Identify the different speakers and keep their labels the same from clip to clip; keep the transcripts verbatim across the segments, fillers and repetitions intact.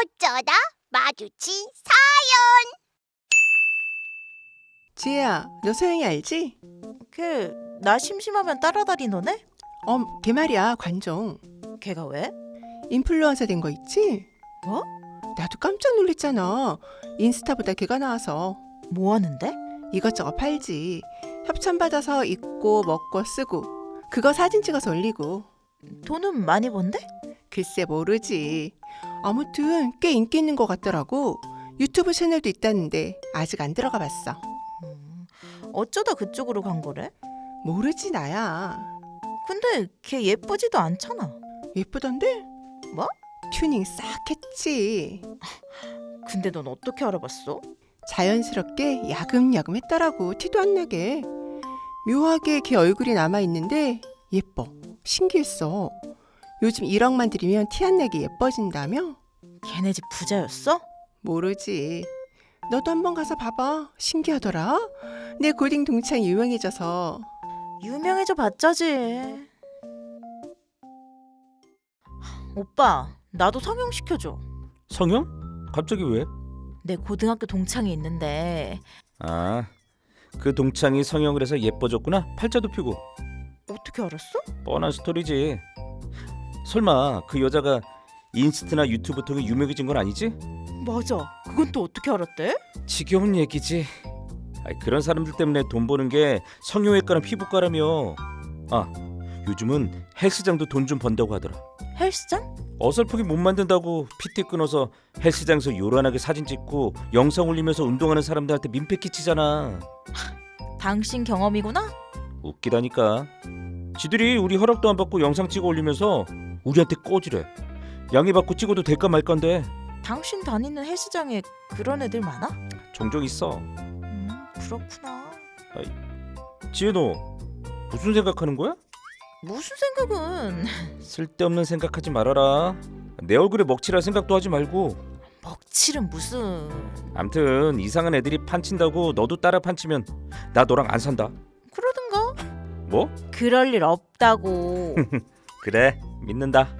Speaker 1: 어쩌다 마주친
Speaker 2: 지혜야, 너 소영이 알지?
Speaker 3: 걔 나 심심하면 따라다니는 애?
Speaker 2: 어, 걔 말이야, 관종.
Speaker 3: 걔가 왜?
Speaker 2: 인플루언서 된 거 있지?
Speaker 3: 뭐?
Speaker 2: 나도 깜짝 놀랐잖아. 인스타보다 걔가 나와서.
Speaker 3: 뭐 하는데?
Speaker 2: 이것저것 팔지. 협찬 받아서 입고 먹고 쓰고. 그거 사진 찍어서 올리고.
Speaker 3: 돈은 많이 번대?
Speaker 2: 글쎄 모르지. 아무튼 꽤 인기 있는 것 같더라고. 유튜브 채널도 있다는데 아직 안 들어가 봤어.
Speaker 3: 음, 어쩌다 그쪽으로 간 거래?
Speaker 2: 모르지 나야.
Speaker 3: 근데 걔 예쁘지도 않잖아.
Speaker 2: 예쁘던데?
Speaker 3: 뭐?
Speaker 2: 튜닝 싹 했지.
Speaker 3: 근데 넌 어떻게 알아봤어?
Speaker 2: 자연스럽게 야금야금 했더라고. 티도 안 나게. 묘하게 걔 얼굴이 남아있는데 예뻐. 신기했어. 요즘 일억만 들이면 티 안 나게 예뻐진다며?
Speaker 3: 걔네 집 부자였어?
Speaker 2: 모르지. 너도 한번 가서 봐봐. 신기하더라. 내 고딩 동창이 유명해져서.
Speaker 3: 유명해져 봤자지. 오빠, 나도 성형 시켜줘.
Speaker 4: 성형? 갑자기 왜?
Speaker 3: 내 고등학교 동창이 있는데
Speaker 4: 아, 그 동창이 성형을 해서 예뻐졌구나. 팔자도 피고.
Speaker 3: 어떻게 알았어?
Speaker 4: 뻔한 스토리지. 설마 그 여자가 인스타나 유튜브 통해 유명해진 건 아니지?
Speaker 3: 맞아. 그건 또 어떻게 알았대?
Speaker 4: 지겨운 얘기지. 아이, 그런 사람들 때문에 돈 버는 게 성형외과랑 피부과라며. 아, 요즘은 헬스장도 돈 좀 번다고 하더라.
Speaker 3: 헬스장?
Speaker 4: 어설프게 못 만든다고 피티 끊어서 헬스장에서 요란하게 사진 찍고 영상 올리면서 운동하는 사람들한테 민폐 끼치잖아.
Speaker 3: 당신 경험이구나?
Speaker 4: 웃기다니까. 지들이 우리 허락도 안 받고 영상 찍어 올리면서 우리한테 꼬지래. 양해받고 찍어도 될까 말까인데.
Speaker 3: 당신 다니는 헬스장에 그런 애들 많아?
Speaker 4: 종종 있어.
Speaker 3: 음, 그렇구나.
Speaker 4: 지혜, 너 무슨 생각하는 거야?
Speaker 3: 무슨 생각은?
Speaker 4: 쓸데없는 생각하지 말아라. 내 얼굴에 먹칠할 생각도 하지 말고.
Speaker 3: 먹칠은 무슨?
Speaker 4: 암튼 이상한 애들이 판친다고 너도 따라 판치면 나 너랑 안 산다.
Speaker 3: 그러든가.
Speaker 4: 뭐?
Speaker 3: 그럴 일 없다고.
Speaker 4: 그래, 믿는다.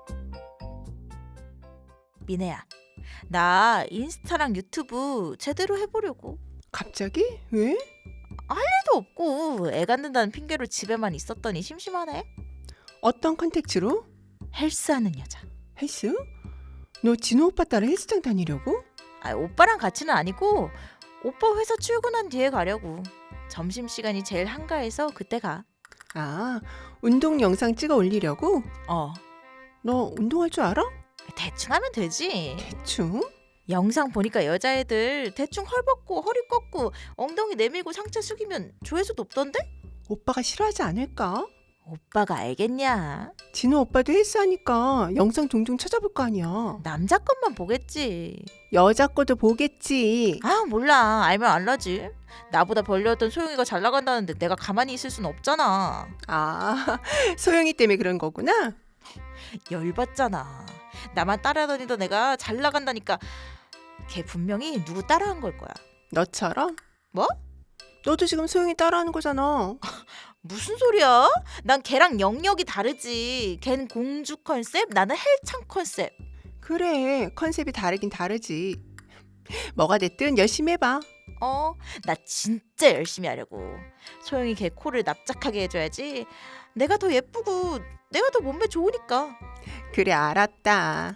Speaker 3: 미네야, 나 인스타랑 유튜브 제대로 해보려고.
Speaker 2: 갑자기? 왜?
Speaker 3: 도 없고 애 갖는다는 핑계로 집에만 있었더니 심심하네.
Speaker 2: 어떤 컨택츠로?
Speaker 3: 헬스하는 여자.
Speaker 2: 헬스? 너 진호 오빠 따라 헬스장 다니려고?
Speaker 3: 아, 오빠랑 같이는 아니고 오빠 회사 출근한 뒤에 가려고. 점심시간이 제일 한가해서 그때 가.
Speaker 2: 아, 운동 영상 찍어 올리려고?
Speaker 3: 어,
Speaker 2: 너 운동할 줄 알아?
Speaker 3: 대충 하면 되지.
Speaker 2: 대충?
Speaker 3: 영상 보니까 여자애들 대충 헐벗고 허리 꺾고 엉덩이 내밀고 상체 숙이면 조회수 높던데?
Speaker 2: 오빠가 싫어하지 않을까?
Speaker 3: 오빠가 알겠냐?
Speaker 2: 진호 오빠도 헬스하니까 영상 종종 찾아볼 거 아니야.
Speaker 3: 남자 것만 보겠지.
Speaker 2: 여자 거도 보겠지.
Speaker 3: 아, 몰라. 알면 알라지. 나보다 벌려왔던 소영이가 잘 나간다는데 내가 가만히 있을 순 없잖아.
Speaker 2: 아, 소영이 때문에 그런 거구나?
Speaker 3: 열받잖아. 나만 따라다니던 애가 잘 나간다니까. 걔 분명히 누구 따라한 걸 거야.
Speaker 2: 너처럼?
Speaker 3: 뭐?
Speaker 2: 너도 지금 소영이 따라하는 거잖아.
Speaker 3: 무슨 소리야? 난 걔랑 영역이 다르지. 걘 공주 컨셉, 나는 헬창 컨셉.
Speaker 2: 그래, 컨셉이 다르긴 다르지. 뭐가 됐든 열심히 해봐.
Speaker 3: 어, 나 진짜 열심히 하려고. 소영이 걔 코를 납작하게 해줘야지. 내가 더 예쁘고 내가 더 몸매 좋으니까.
Speaker 2: 그래, 알았다.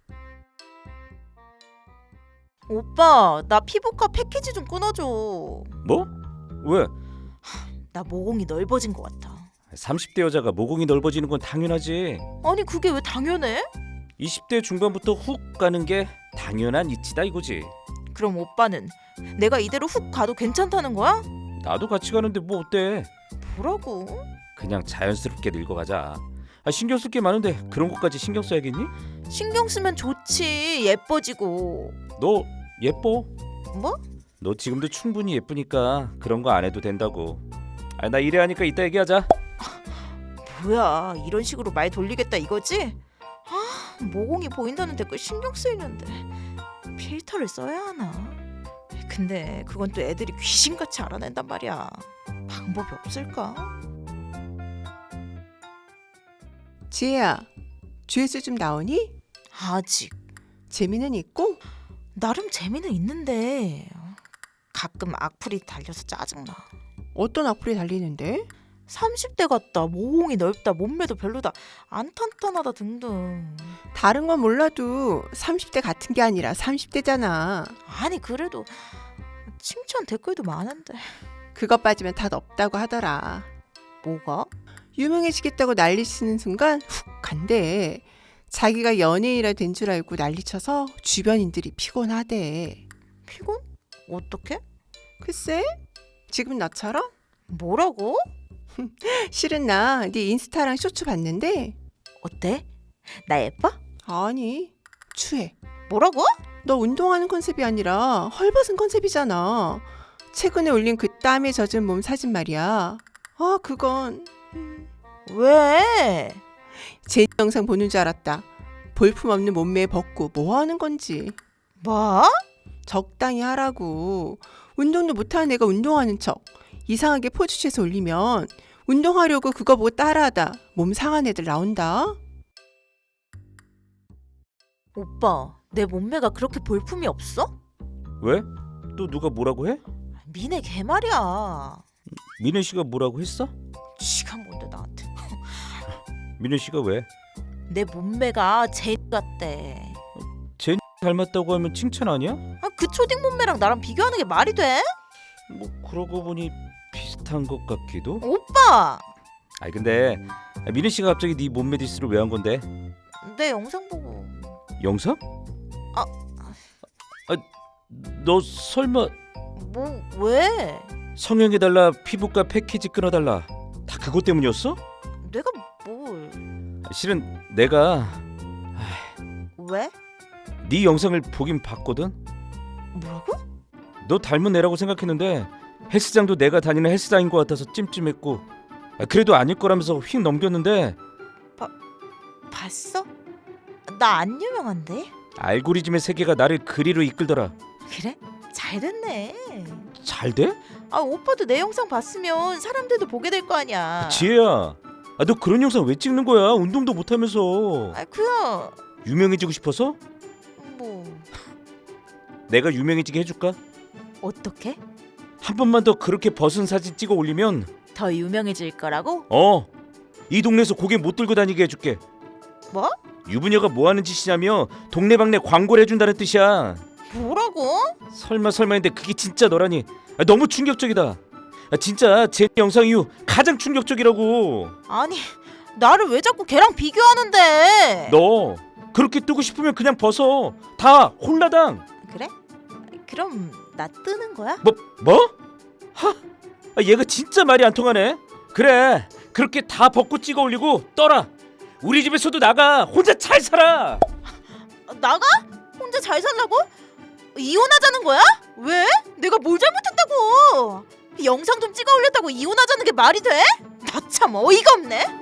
Speaker 3: 오빠, 나 피부과 패키지 좀 끊어줘.
Speaker 4: 뭐? 왜?
Speaker 3: 나 모공이 넓어진 것 같아.
Speaker 4: 삼십 대 여자가 모공이 넓어지는 건 당연하지.
Speaker 3: 아니, 그게 왜 당연해?
Speaker 4: 이십 대 중반부터 훅 가는 게 당연한 이치다 이거지.
Speaker 3: 그럼 오빠는 내가 이대로 훅 가도 괜찮다는 거야?
Speaker 4: 나도 같이 가는데 뭐 어때?
Speaker 3: 뭐라고?
Speaker 4: 그냥 자연스럽게 늙어가자. 아, 신경 쓸 게 많은데 그런 것까지 신경 써야겠니?
Speaker 3: 신경 쓰면 좋지. 예뻐지고.
Speaker 4: 너 예뻐.
Speaker 3: 뭐?
Speaker 4: 너 지금도 충분히 예쁘니까 그런 거 안 해도 된다고. 아, 나 이래 하니까 이따 얘기하자.
Speaker 3: 뭐야, 이런 식으로 말 돌리겠다 이거지? 아, 모공이 보인다는 댓글 신경 쓰이는데 필터를 써야 하나? 근데 그건 또 애들이 귀신같이 알아낸단 말이야. 방법이 없을까?
Speaker 2: 지혜야, 조회수 좀 나오니?
Speaker 3: 아직.
Speaker 2: 재미는 있고
Speaker 3: 나름 재미는 있는데 가끔 악플이 달려서 짜증나.
Speaker 2: 어떤 악플이 달리는데?
Speaker 3: 삼십 대 같다, 모공이 넓다, 몸매도 별로다, 안 탄탄하다 등등.
Speaker 2: 다른 건 몰라도 삼십 대 같은 게 아니라 삼십 대잖아.
Speaker 3: 아니 그래도 칭찬 댓글도 많은데.
Speaker 2: 그것 빠지면 다 없다고 하더라.
Speaker 3: 뭐가?
Speaker 2: 유명해지겠다고 난리치는 순간 훅 간대. 자기가 연예인이라 된 줄 알고 난리쳐서 주변인들이 피곤하대.
Speaker 3: 피곤? 어떻게?
Speaker 2: 글쎄, 지금 나처럼?
Speaker 3: 뭐라고?
Speaker 2: 실은 나 네 인스타랑 쇼츠 봤는데
Speaker 3: 어때? 나 예뻐?
Speaker 2: 아니, 추해.
Speaker 3: 뭐라고?
Speaker 2: 너 운동하는 컨셉이 아니라 헐벗은 컨셉이잖아. 최근에 올린 그 땀에 젖은 몸 사진 말이야. 아, 그건
Speaker 3: 왜?
Speaker 2: 제 영상 보는 줄 알았다. 볼품없는 몸매에 벗고 뭐 하는 건지.
Speaker 3: 뭐?
Speaker 2: 적당히 하라고. 운동도 못하는 애가 운동하는 척 이상하게 포즈 취해서 올리면 운동하려고 그거 보고 따라하다 몸 상한 애들 나온다.
Speaker 3: 오빠, 내 몸매가 그렇게 볼품이 없어?
Speaker 4: 왜? 또 누가 뭐라고 해?
Speaker 3: 미네 개말이야.
Speaker 4: 민혜 씨가 뭐라고 했어?
Speaker 3: 지가 뭔데 나한테.
Speaker 4: 민혜 씨가 왜?
Speaker 3: 내 몸매가 제 같대.
Speaker 4: 닮았다고 하면 칭찬 아니야?
Speaker 3: 아, 그 초딩 몸매랑 나랑 비교하는 게 말이 돼?
Speaker 4: 뭐 그러고 보니 비슷한 것 같기도.
Speaker 3: 오빠!
Speaker 4: 아니 근데 민혜 씨가 갑자기 네 몸매 디스를 왜 한 건데?
Speaker 3: 내 영상 보고.
Speaker 4: 영상?
Speaker 3: 아.
Speaker 4: 아, 너 설마
Speaker 3: 뭐 왜?
Speaker 4: 성형해달라, 피부과 패키지 끊어달라, 다 그것 때문이었어?
Speaker 3: 내가 뭘?
Speaker 4: 실은 내가
Speaker 3: 왜?
Speaker 4: 네 영상을 보긴 봤거든.
Speaker 3: 뭐라고?
Speaker 4: 너 닮은 애라고 생각했는데 헬스장도 내가 다니는 헬스장인 것 같아서 찜찜했고, 아, 그래도 아닐 거라면서 휙 넘겼는데
Speaker 3: 봤어? 나 안 유명한데?
Speaker 4: 알고리즘의 세계가 나를 그리로 이끌더라.
Speaker 3: 그래? 잘 됐네.
Speaker 4: 잘 돼?
Speaker 3: 아, 오빠도 내 영상 봤으면 사람들도 보게 될 거 아니야.
Speaker 4: 지혜야, 아, 너 그런 영상 왜 찍는 거야? 운동도 못하면서.
Speaker 3: 아, 그야
Speaker 4: 유명해지고 싶어서?
Speaker 3: 뭐
Speaker 4: 내가 유명해지게 해줄까?
Speaker 3: 어떻게?
Speaker 4: 한 번만 더 그렇게 벗은 사진 찍어 올리면
Speaker 3: 더 유명해질 거라고?
Speaker 4: 어, 이 동네에서 고개 못 들고 다니게 해줄게.
Speaker 3: 뭐?
Speaker 4: 유부녀가 뭐 하는 짓이냐며 동네방네 광고를 해준다는 뜻이야.
Speaker 3: 뭐라고?
Speaker 4: 설마 설마 했는데 그게 진짜 너라니. 아, 너무 충격적이다. 아, 진짜 제 영상 이후 가장 충격적이라고.
Speaker 3: 아니, 나를 왜 자꾸 걔랑 비교하는데?
Speaker 4: 너 그렇게 뜨고 싶으면 그냥 벗어. 다 홀라당.
Speaker 3: 그래? 그럼 나 뜨는 거야?
Speaker 4: 뭐 뭐? 하, 아, 얘가 진짜 말이 안 통하네. 그래, 그렇게 다 벗고 찍어 올리고 떠라. 우리 집에서도 나가. 혼자 잘 살아.
Speaker 3: 나가? 혼자 잘 살라고? 이혼하자는 거야? 왜? 내가 뭘 잘못했다고? 영상 좀 찍어 올렸다고 이혼하자는 게 말이 돼? 나 참 어이가 없네.